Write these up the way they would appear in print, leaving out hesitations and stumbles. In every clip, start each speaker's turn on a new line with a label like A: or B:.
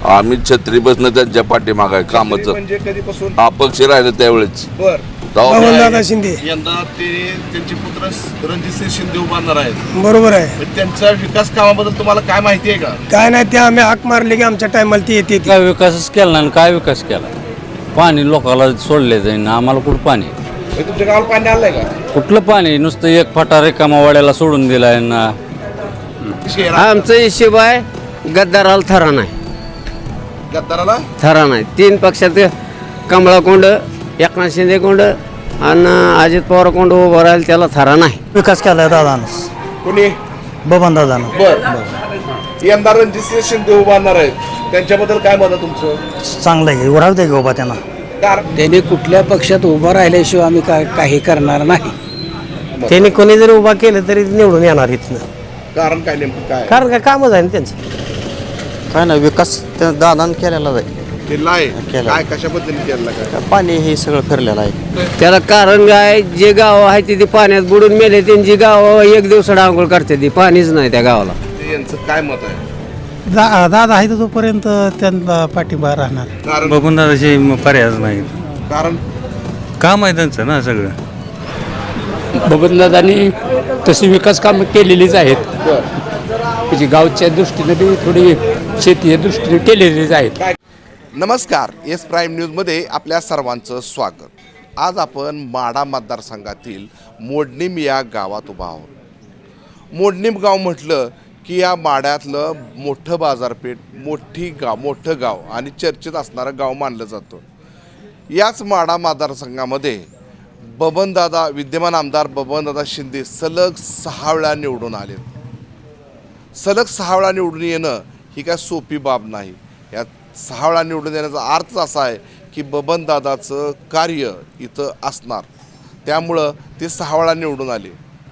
A: आम्ही छत्री बसणं त्यांच्या पाठीमाग आहे कामाचं.
B: म्हणजे कधीपासून
A: अपक्ष राहिलं त्यावेळेस
B: बर
C: बबनदादा शिंदे
B: यंदा त्यांचे पुत्र रणजितसिंह शिंदे उभारणार आहेत.
C: बरोबर आहे.
B: पण त्यांच्या विकास कामाबद्दल तुम्हाला काय माहिती आहे का?
C: काय नाही ते आम्ही हाक मारले की आमच्या टायमाला ती येते.
D: काय विकासच केला नाही. काय विकास केला? पाणी लोकांना सोडले जाईन, आम्हाला कुठं पाणी?
B: म्हणजे तुमच्या गावाला पाणी आलंय का?
D: कुठलं पाणी? नुसतं एक फाटा रिकामा वाड्याला सोडून दिलाय ना.
E: आमचं हिशोब आहे गद्दाराला थरा नाही.
B: गद्दाराला
E: थरा नाही. 3 पक्षात कमळा कोंड, एकनाथ शिंदे कोंड आणि अजित पवार कोंड उभं राहील त्याला थरा नाही.
C: विकास केलाय दादानं,
B: कोणी?
C: बबनदादानं.
B: बर यंदा रणजितसिंह शिंदे उभारणार आहेत, त्यांच्याबद्दल काय मत आहे तुमचं?
C: चांगलं आहे, उराव दे बाबा त्यांना.
B: कारण
F: त्यांनी कुठल्या पक्षात उभं राहिल्याशिवाय आम्ही काही करणार नाही.
C: त्यांनी कोणी जरी उभा केलं तरी निवडून येणार इथनं.
B: कारण काय नेमकं काय?
C: कारण काय कामच आहे ना त्यांचं.
G: काय नाही विकास दादानं केलेला आहे.
B: केला आहे
G: केला.
B: काय कशाबद्दल केला काय?
G: पाणी हे सगळं फिरलेलं आहे.
E: त्याला कारण काय? जे गाव आहे ते पाण्यात बुडून मेले, त्यांची गाव एक दिवसाड आंघोळ करते ती, पाणीच नाही त्या गावाला.
B: ते यांचं काय मत आहे?
C: दादा आहे तर तोपर्यंत त्यांना पाठिंबा राहणार.
B: कारण
D: बबनदादाची पर्यायच नाही.
B: कारण
D: काम आहे त्यांचं ना सगळं.
F: बबनदादांनी तशी विकास कामं केलेलीच आहेत. म्हणजे गावच्या दृष्टीने बी थोडी शेतीच्या दृष्टीने केलेलीच आहेत.
B: नमस्कार, एस प्राईम न्यूजमध्ये आपल्या सर्वांचं स्वागत. आज आपण माढा मतदारसंघातील मोडणीम या गावात उभा आहोत. मोडणीम गाव म्हटलं की या माढ्यातलं मोठं बाजारपेठ, मोठं गाव आणि चर्चेत असणारं गाव मानलं जातं. याच माढा मतदारसंघामध्ये विद्यमान आमदार बबनदादा शिंदे सलग 6 वेळा निवडून आले. सलग 6 वेळा निवडून येणं ही काय सोपी बाब नाही. या 6 वेळा निवडून येण्याचा अर्थ असा आहे की बबनदादाचं कार्य इथं असणार, त्यामुळं ते 6 वेळा निवडून आले.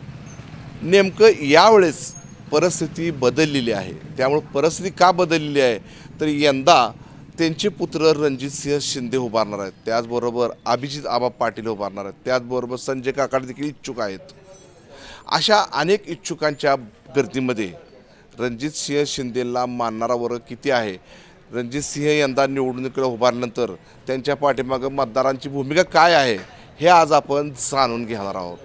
B: नेमकं यावेळेस परिस्थिती बदललेली आहे. त्यामुळं परिस्थिती का बदललेली आहे तर यंदा त्यांचे पुत्र रणजितसिंह शिंदे उभारणार आहेत, त्याचबरोबर अभिजित आबा पाटील उभारणार आहेत, त्याचबरोबर संजय काकाडे देखील इच्छुक आहेत. अशा अनेक इच्छुकांच्या गर्दीमध्ये रणजितसिंह शिंदेला मानणारा वर्ग किती आहे, रणजितसिंह यंदा निवडणुकीला उभारल्यानंतर त्यांच्या पाठीमागं मतदारांची भूमिका काय आहे, हे आज आपण जाणून घेणार आहोत.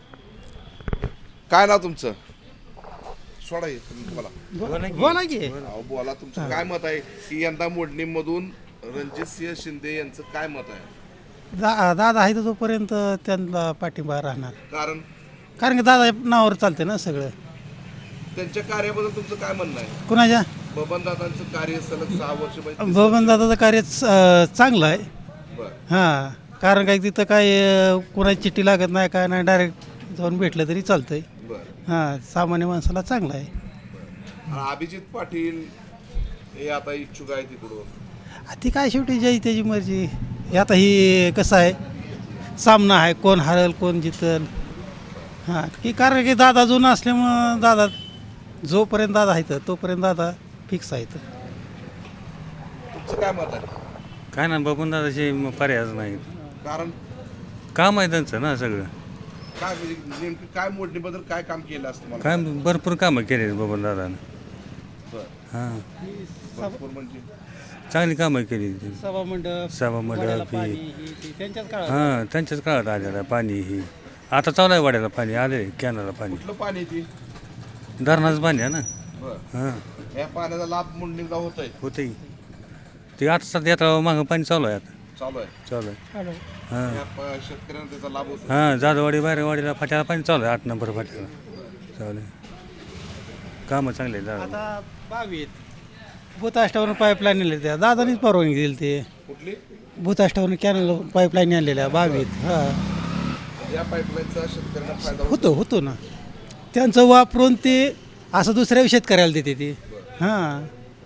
B: काय नाव तुमचं? सोडा बोला की. बोला, तुमचं काय मत आहे की यंदा मोडणीमधून रणजितसिंह शिंदे यांचं काय मत आहे?
C: दादा आहे तर तोपर्यंत त्यांना पाठिंबा राहणार.
B: कारण
C: की दादा नावावर चालते ना सगळं.
B: त्यांच्या कार्याबद्दल तुमचं काय म्हणणं आहे?
C: कुणाच्या?
B: बबनदादांचं कार्य सलग 6 वर्ष
C: बबनदादाचं कार्य चांगलं आहे.
B: बरं.
C: हां, कारण काय तिथं काय कोणाची चिठ्ठी लागत नाही, काय नाही, डायरेक्ट जाऊन भेटलं तरी चालतंय.
B: बरं.
C: हां, सामान्य माणसाला चांगलं आहे.
B: आणि अभिजित पाटील हे आता इच्छुक आहे तिकडून.
C: ती काय शेवटी ज्याची त्याची मर्जी. हे आता ही कसं आहे, सामना आहे, कोण हरल कोण जितल. हां, की कारण की दादा जुना असल्यामुळं दादा जोपर्यंत दादा आहे तोपर्यंत दादा फिक्स आहे.
B: तुमचं काय मत आहे?
D: काय नाही, बबनदादाची पर्यायच नाही.
B: कारण
D: काम आहे त्यांचं ना सगळं.
B: काय म्हणजे नेमकं काय मोडणीबद्दल काय काम केलं असतं मला?
D: काय भरपूर कामं केली बबनदादानं.
B: बरं.
D: हां,
B: भरपूर म्हणजे
D: चांगली कामं केली.
C: सभामंडप
D: सभामंडप ही
C: त्यांच्याच काळात.
D: हां, त्यांच्याच काळात आलेलं पाणी ही. आता चालू आहे वाड्याला पाणी, आले कॅनला पाणी.
B: कुठलं पाणी ती?
D: धरणाचं पाणी आहे ना.
B: बरं.
D: हां,
B: या पाण्याचा लाभ मोडणीला होत आहे,
D: होते ते. आता सध्या आता मागं पाणी चालू आहे. आता
B: चालू आहे.
D: चालू आहे. हां
B: या शेतकऱ्यांना त्याचा लाभ होतो.
D: हां, जाधववाडी बाहेरवाडीला फाट्याला पाणी चालू आहे. 8 नंबर फाट्याला चालू आहे. कामं चांगले आहेत.
C: आता 22 भूताष्टावरून पाईपलाईन आले त्या दादानीच परवानगी दिली. ते
B: कुठली?
C: भूताष्टावरून कॅनल पाईपलाईन आणलेल्या 22. हां,
B: या पाईपलाईनचा शेतकऱ्यांना फायदा
C: होतो ना. त्यांचं वापरून ते असं दुसऱ्या शेतकऱ्याला देते ते. हां,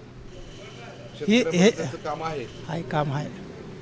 C: हे
B: त्याचं काम आहे.
C: आहे, काम आहे.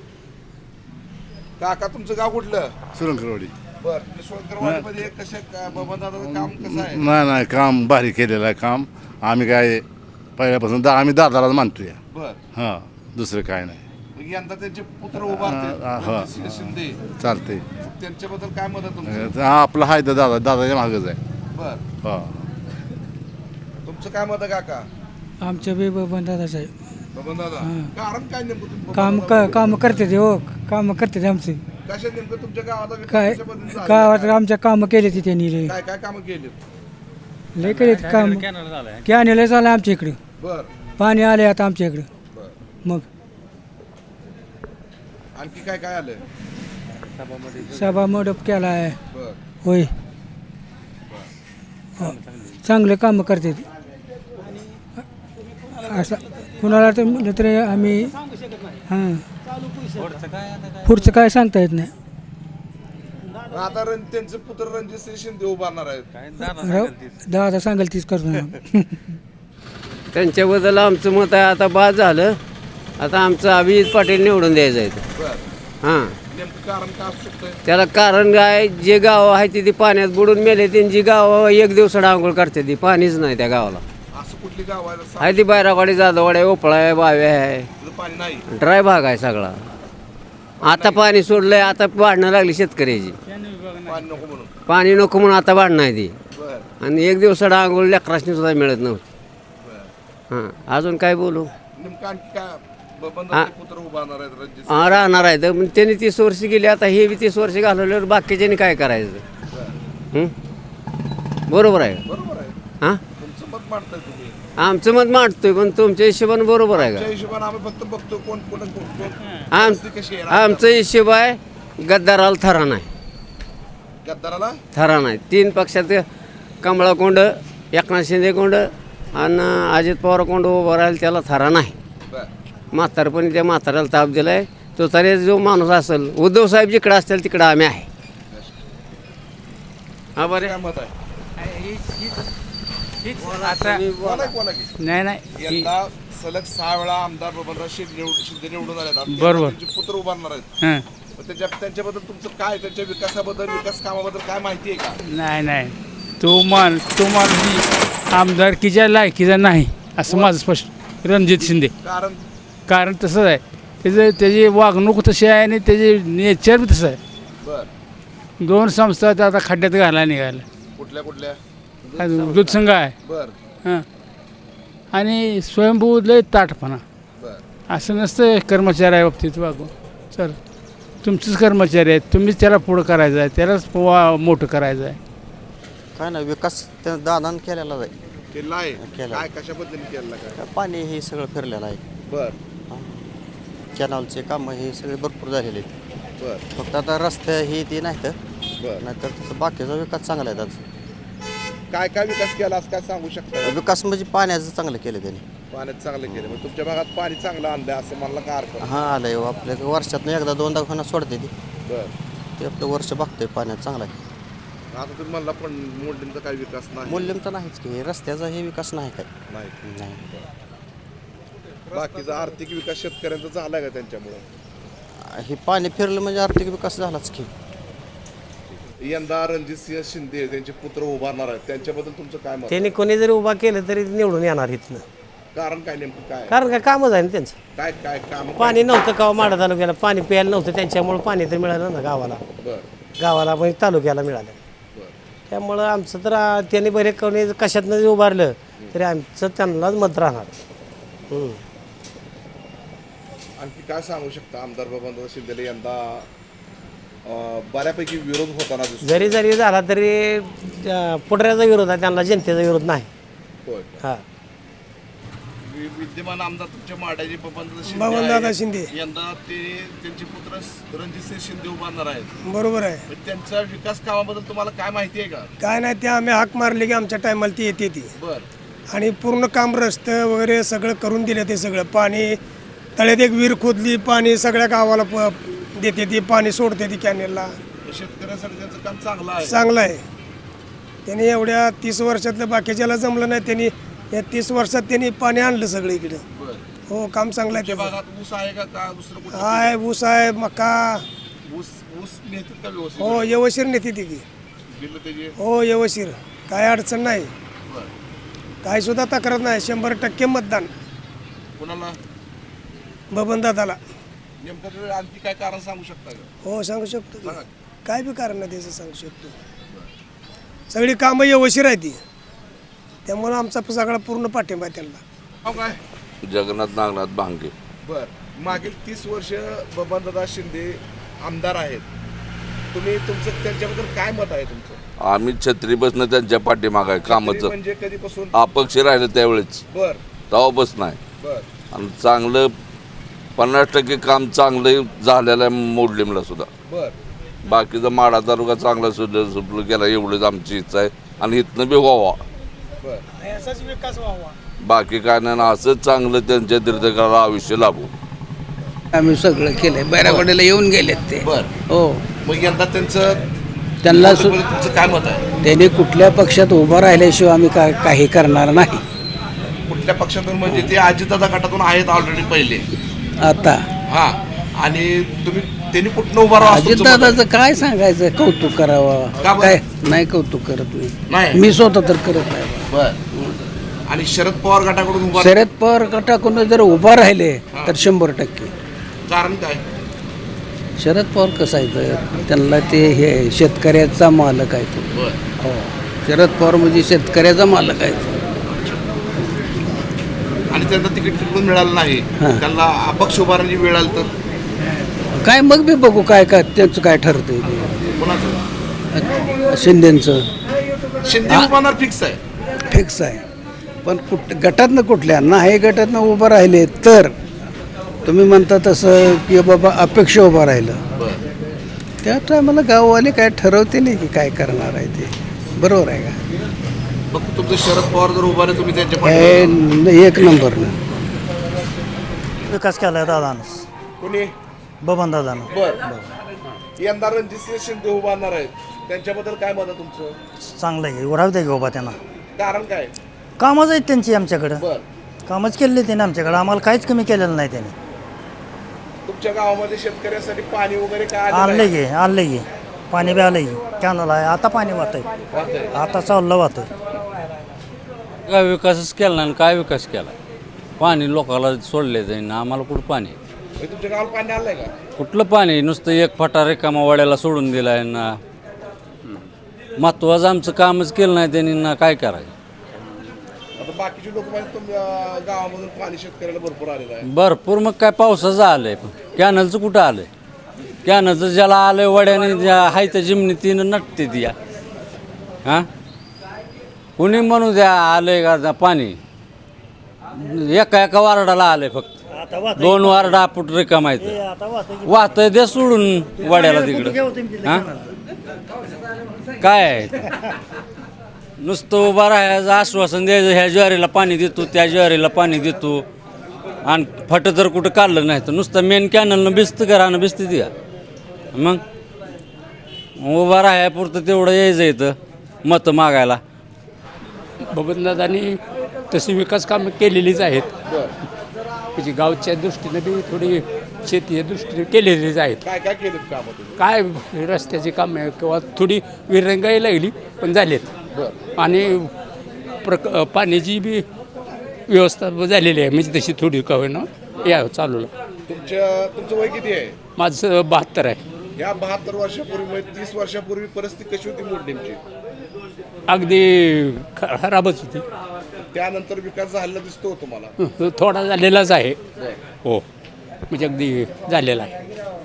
B: काका तुमचं गाव कुठलं?
G: सुरंगरवाडी.
B: बरं. सोनकरवाडीमध्ये बबनदादाचं काम कसं आहे?
G: नाही काम भारी केलेलं आहे काम. आम्ही काय पहिल्यापासून आम्ही दादालाच मानतोय.
B: बरं.
G: हां, दुसरं काय नाही.
B: मग यंदा त्यांचे पुत्र उभारते शिंदे,
G: चालतंय.
B: त्यांच्याबद्दल काय मत आहे तुमचं?
G: आपलं आहे तर दादाच्या मागच आहे.
B: बरं.
G: हां,
B: तुमचं काय मत आहे काका?
F: आमच्या बी बबनदादाच आहे.
B: बबन दादा कारण काय नेमकं तुम्ही
H: काम करते ते हो काम करते ते आमचे
B: कशा नेमकं तुमच्या गावाला विकास
H: काय
B: कशा पद्धतीने झाला?
H: गावात आमच्या कामं केले ते त्यांनी लय
B: काय काय कामं केली
H: लय केले काम कॅनेल झालं आमच्या इकडे
B: बर
H: पाणी आले आता आमच्या इकडे
B: बर
H: मग
B: आणखी काय काय आलं
H: सभा मंडप केला आहे
B: बर
H: होय हो. चांगले कामं करते ते असं कुणाला तर म्हटलं तरी आम्ही हां पुढचं काय सांगता येत नाही
B: आता त्यांचे पुत्र रणजित शिंदे उभारणार आहेत
H: दादा सांगाल तीच करतो
E: त्यांच्याबद्दल आमचं मत आहे आता बाद झालं आता आमचं अभिजित पाटील निवडून द्यायचं आहे
B: बर
E: हां
B: नेमकं कारण काय असू शकतंय
E: त्याला कारण काय जे गाव आहे ती पाण्यात बुडून मेले त्यांची गाव एक दिवसाड आंघोळ करते ती पाणीच नाही त्या गावाला
B: असं कुठली गाव आहे जसं
E: आहे ती बैरावाडी जाधववाडी ओपळा आहे बावे आहे
B: तिथं पाणी नाही
E: ड्राय भाग आहे सगळा आता पाणी सोडलंय आता वाढणं लागली शेतकऱ्याची
B: पाणी नको म्हणून
E: पाणी नको म्हणून आता वाढणं आहे ती
B: बर
E: आणि एक दिवसाड आंघोळ लेकरासनी सुद्धा मिळत नव्हती
B: बर
E: हां अजून काय बोलू
B: नेमकं आणखी काय बबन दादाचे पुत्र उभारणार आहेत रणजित
E: हा राहणार आहे तर त्यांनी 30 वर्ष गेली आता हे बी 30 वर्ष घालवल्यावर बाकीच्यांनी काय करायचं हं? बरोबर आहे
B: बरोबर आहे
E: हां
B: तुमचं मत मांडताय तुम्ही
E: आमचं मत मांडतोय पण तुमच्या हिशोबाने बरोबर आहे
B: त्या
E: का
B: हिशोबाने आम्ही फक्त बघतो कोण कोण
E: आम-
B: कशी आहे
E: आमचं हिशोब आहे गद्दाराला थरा नाही
B: गद्दाराला
E: थरा नाही 3 पक्षात कमळा कोंड एकनाथ शिंदे कोंड आणि अजित पवार कोंड उभं राहील त्याला थरा नाही
B: बर
E: म्हातारपणी त्या म्हाताऱ्याला ताप दिलाय तो तरी जो माणूस असेल उद्धव साहेब जिकडं असतील तिकडं आम्ही आहे हा बरे
B: काय मत आहे
H: आता
B: बोला की
H: नाही नाही
B: यंदा सलग 6 वेळा आमदार बबनराव शिंदे निवडून आले आहेत
H: बरोबर.
B: त्यांचे पुत्र उभारणार आहेत
H: हां
B: मग त्यांच्याबद्दल तुमचं काय त्यांच्या विकासाबद्दल विकास कामाबद्दल काय माहिती आहे का
H: नाही नाही तो माणूस आमदारकीच्या लायकीचा नाही असं माझं स्पष्ट रणजित शिंदे
B: कारण
H: कारण तसंच आहे त्याची वागणूक तशी आहे आणि त्याचे नेचर बी तसं आहे
B: बर
H: 2 संस्था त्या आता खड्ड्यात घालायला निघायला
B: कुठल्या कुठल्या
H: दूध संघ आहे
B: बर
H: हां आणि स्वयंभू लय ताटपणा
B: बर
H: असं नसतं कर्मचाऱ्या बाबतीत वागू चल तुमचेच कर्मचारी आहेत तुम्हीच त्याला पुढं करायचं आहे त्यालाच मोठं करायचं आहे
I: काय ना विकास त्या दादानं केलेला आहे
B: केला आहे
I: केला.
B: काय कशाबद्दल केला काय
I: पाणी हे सगळं फिरलेलं आहे
B: बर
I: कॅनॉलचे कामं हे सगळे भरपूर झालेले आहेत
B: बर
I: फक्त आता रस्ते हे ते नाही तर
B: बर
I: नाहीतर तसं बाकीचा विकास चांगला आहे त्याचा
B: काय काय विकास केला असं काय सांगू शकता
I: विकास म्हणजे पाण्याचं चांगलं केलं त्यांनी
B: पाण्यात चांगलं केलं मग तुमच्या भागात पाणी चांगलं आणलंय असं म्हणलं का अर्थ
I: हां आलंय आपल्या वर्षातनं एकदा 2दा खाना सोडते ती
B: बर
I: ते आपलं वर्ष बघतोय पाण्यात चांगलं आहे
B: आता तुम्ही म्हणला पण मोडलींचा काही विकास नाही
I: मूल्यम तर नाहीच की रस्त्याचा हे विकास नाही काय
B: नाही
I: नाही
B: बाकीचा आर्थिक विकास शेतकऱ्यांचा झालाय का त्यांच्यामुळे
I: हे पाणी फिरलं म्हणजे आर्थिक विकास झालाच की
B: यंदा रणजितसिंह शिंदे त्यांचे पुत्र उभारणार आहेत त्यांच्याबद्दल तुमचं काय मत
J: त्यांनी कोणी जरी उभा केलं तरी निवडून येणार इथनं
B: कारण काय नेमकं काय
J: कारण काय कामच आहे ना त्यांचं
B: काय काय काम
J: पाणी नव्हतं गाव माडा तालुक्याला पाणी प्यायला नव्हतं त्यांच्यामुळे पाणी तर मिळालं ना गावाला
B: बर
J: पण तालुक्याला मिळालं
B: बर
J: त्यामुळं आमचं तर त्यांनी बरे कोणी कशातनं जरी उभारलं तरी आमचं त्यांनाच मत राहणार
B: आणखी काय सांगू शकता आमदार बबनराव शिंदेला यंदा बऱ्यापैकी विरोध होताना दिसतो
J: जरी झाला तरी पुढऱ्याचा विरोध आहे त्यांना जनतेचा विरोध नाही
B: होय
J: हां
B: विद्यमान आमदार तुमच्या माड्याचे बबनदादा शिंदे यंदा ते त्यांचे पुत्र रणजितसिंह शिंदे उभारणार आहेत
K: बरोबर आहे
B: मग त्यांच्या विकास कामाबद्दल तुम्हाला काय माहिती आहे का
K: काय नाही ते आम्ही हाक मारले की आमच्या टायमाला ती येते ती
B: बर
K: आणि पूर्ण काम रस्ते वगैरे सगळं करून दिलं ते सगळं पाणी तळ्यात एक विहीर खोदली पाणी सगळ्या गावाला देते ती पाणी सोडते ती कॅनेलला
B: शेतकऱ्यासाठी त्यांचं काम चांगलं आहे
K: चांगलं आहे त्यांनी एवढ्या 30 वर्षातलं बाकीच्याला जमलं नाही त्यांनी या 30 वर्षात त्यांनी पाणी आणलं सगळं इकडं
B: बर
K: हो काम चांगलं आहे
B: तुमच्या
K: त्याचं
B: भागात ऊस आहे का दुसरं कुठं
K: आहे ऊस आहे मका
B: ऊस ऊस नेतात का व्यवस्थित
K: हो व्यवस्थित नेते ती
B: बिल त्याची
K: हो व्यवस्थित काय अडचण नाही
B: बर
K: काय सुद्धा तक्रार नाही 100% मतदान
B: कुणाला
K: बबनदादाला
B: नेमकं तुम्ही आणखी काय कारण सांगू शकता का
K: हो सांगू शकतो की.
B: सांगा.
K: काय बी कारण नाही त्याचं सांगू शकतो सगळी कामं व्यवस्थित आहे ती त्यामुळं आमचा सगळा पूर्ण पाठिंबा आहे त्यांना
B: हो काय
A: जगन्नाथ नागनाथ भांगे.
B: बर, मागील 30 वर्ष बबनदादा शिंदे आमदार आहेत. तुम्ही तुमचं त्यांच्याबद्दल काय मत आहे तुमचं?
A: आम्ही छत्री बसणं त्यांच्या पाठीमागं आहे कामाचं.
B: म्हणजे कधीपासून?
A: अपक्ष राहिलं त्यावेळेस,
B: बर
A: तेव्हापासून नाही.
B: बर
A: आणि चांगलं 50% काम चांगलं झालेलं आहे मोडलीमला सुद्धा.
B: बर
A: बाकीचा माडा तालुका चांगला सुटलं गेला एवढंच आमची इच्छा आहे. आणि इथनं बी व्हावा,
B: बर
C: असाच विकास व्हावा.
A: बाकी काय नाही. असंच चांगलं त्यांच्या दीर्घकाळाला आयुष्य लाभू.
H: आम्ही सगळं केलंय, बैरागोड्याला येऊन गेलेत ते.
B: बर
H: हो,
B: मग यंदा त्यांचं
H: त्यांना
B: तुमचं काय मत आहे?
H: त्यांनी कुठल्या पक्षात उभं राहिल्याशिवाय आम्ही काही करणार नाही.
B: कुठल्या पक्षातून? म्हणजे ते अजितदादा गटातून आहेत ऑलरेडी पहिले.
H: आता
B: हा, आणि त्यांनी कुठनं उभा राहा?
H: अजितदादाचं काय सांगायचं, कौतुक
B: का
H: करावं
B: बरं?
H: काय नाही, कौतुक करत
B: नाही.
H: नाही, मी स्वतः तर करत नाही.
B: बर, आणि शरद पवार गटाकडून उभा
H: शरद पवार गटाकडून जर उभा राहिले तर 100%.
B: कारण काय?
H: शरद पवार कसं आहे तर त्यांना ते हे शेतकऱ्याचा मालक आहे तो.
B: बर,
H: हो, शरद पवार म्हणजे शेतकऱ्याचा मालक आहे तो.
B: आणि त्यांना तिकीट तिकडून मिळालं नाही,
H: हा.
B: त्यांना अपक्ष उभारण्याची वेळ आली तर
H: काय मग बी बघू काय काय त्यांचं काय ठरतंय
B: कोणाचं?
H: शिंदेचं
B: शिंदे उभारणार फिक्स आहे.
H: फिक्स आहे. पण गटातनं कुठल्या नाही गटातनं उभं राहिले तर तुम्ही म्हणता तसं की बाबा अपेक्षा उभं राहिलं,
B: बर,
H: त्या टायमाला गाववाले काय ठरवते नाही की काय करणार आहे ते. बरोबर आहे का?
B: मग तुमचं शरद पवार जर उभारले तुम्ही त्यांच्या
H: हे
B: पाठीमागे?
H: एक नंबरनं
J: विकास केला दादानं,
B: कोणी?
J: बबन दादानं.
B: बर, यंदा रणजितसिंह शिंदे उभारणार आहेत, त्यांच्याबद्दल काय मत आहे तुमचं?
J: चांगलं आहे, राहू दे बाबा त्यांना.
B: कारण काय?
J: कामच आहेत त्यांची आमच्याकडं,
B: बर,
J: कामच केलेली त्यांनी आमच्याकडं, आम्हाला काहीच कमी केलेलं नाही त्यांनी.
B: तुमच्या गावामध्ये शेतकऱ्यासाठी पाणी वगैरे काय
J: आणलं गे पाणी बी आलं गे, कॅनल आहे, आता पाणी वाहतंय, आता चाललं वाहतंय.
D: काय विकासच केला नाही, काय विकास केला? पाणी लोकांना सोडले जाईन, आम्हाला कुठं पाणी?
B: तुमच्या गावाला पाणी आलंय का?
D: कुठलं पाणी? नुसतं एक फटा रिकामा वाड्याला सोडून दिला आहे ना. महत्वाचं आमचं कामच केलं नाही त्यांनी ना, काय करायचं?
B: आता बाकीचे लोक म्हणजे तुमच्या गावामधून पाणी शेतकऱ्याला भरपूर आलेलं आहे.
D: भरपूर. मग काय पावसाचं आलंय, कॅनलचं कुठं आलंय? कॅनलचं ज्याला आलंय वड्याने ज्या हाय त्या जिमनीतीनं नटते ती. हां, कोणी म्हणू द्या आलंय का पाणी? एका वार्डाला आलंय फक्त, 2 वार्ड आपण रिकामायचं वाहतंय, दे सोडून वड्याला तिकडं. हां, काय आहे? नुसतं उभा राहायचं, आश्वासन द्यायचं, ह्या ज्वारीला पाणी देतो, त्या ज्वारीला पाणी देतो, आणि फटं जर कुठं काढलं नाही तर नुसतं मेन कॅनलनं भिजतं का राहणं भिजतं द्या. मग उभा राहायपुरतं तेवढं यायचं इथं मतं मागायला.
F: बबनदादांनी तशी विकास कामं केलेलीच आहेत. म्हणजे गावच्या दृष्टीनं बी थोडी शेतीच्या दृष्टीने केलेलीच आहेत.
B: काय काय केलं कामं तुम्ही?
F: काय रस्त्याची कामं किंवा थोडी विरंगाई लागली पण झालेत. आणि पाण्याची बी व्यवस्था झालेली आहे, म्हणजे तशी थोडी का होईना या चालू.
B: तुमचं वय किती आहे?
F: माझं 72 आहे.
B: या 72 वर्षापूर्वी 30 वर्षापूर्वी परिस्थिती कशी होती मोडणीची?
F: अगदी खराबच होती.
B: त्यानंतर विकास झालेला दिसतो तुम्हाला?
F: थोडा झालेलाच आहे. हो, म्हणजे अगदी झालेला आहे.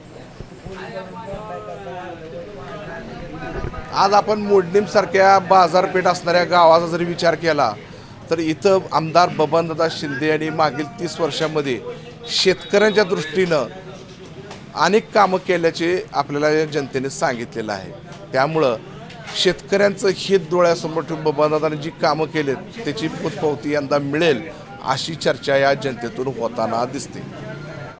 B: आज आपण मोडणीसारख्या बाजारपेठ असणाऱ्या गावाचा जरी विचार केला तर इथं आमदार बबनदादा शिंदे यांनी मागील 30 वर्षामध्ये शेतकऱ्यांच्या दृष्टीनं अनेक कामं केल्याचे आपल्याला या जनतेने सांगितलेलं आहे. त्यामुळं शेतकऱ्यांचं हित डोळ्यासमोर ठेवून बबनदादांनी जी कामं केलीत त्याची पोचपावती यंदा मिळेल अशी चर्चा या जनतेतून होताना दिसते.